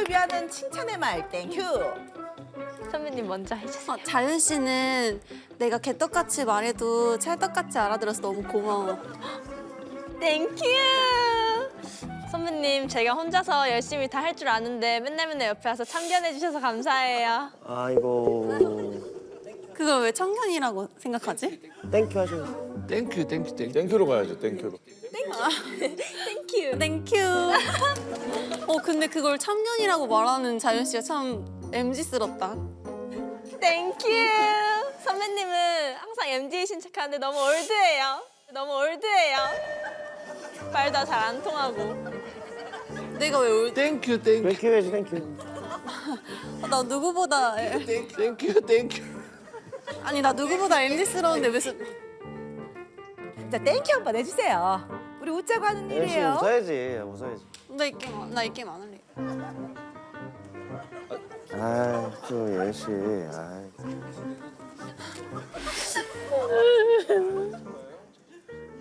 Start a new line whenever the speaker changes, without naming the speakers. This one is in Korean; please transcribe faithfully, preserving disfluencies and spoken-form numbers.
우리를 위하는 칭찬의 말 땡큐.
선배님 먼저 해주세요.
어, 자윤 씨는 내가 개떡같이 말해도 찰떡같이 알아들어서 너무 고마워.
땡큐. 선배님 제가 혼자서 열심히 다 할 줄 아는데 맨날 맨날 옆에 와서 참견해 주셔서 감사해요.
아이고.
그걸 왜 청년이라고 생각하지?
땡큐 하시면.
땡큐 땡큐 땡큐.
땡큐로 가야죠, 땡큐로.
땡큐.
땡큐. 어 근데 그걸 참견이라고 말하는 자윤 씨가 참 엠지스럽다.
땡큐. 선배님은 항상 엠지이신 척하는데 너무 올드해요. 너무 올드해요. 말도 잘 안 통하고.
내가 왜 올?
땡큐 땡큐
땡큐 해야지, 땡큐.
나 누구보다
땡큐 땡큐.
아니 나 누구보다 엠지스러운데 무슨?
자 땡큐 한번 해주세요. 우리 웃자고 하는
열심히
일이에요.
웃어야지, 웃어야지.
나 이 게임 안- 나이 게임 안 할래.
아이, 또 예시. 아이.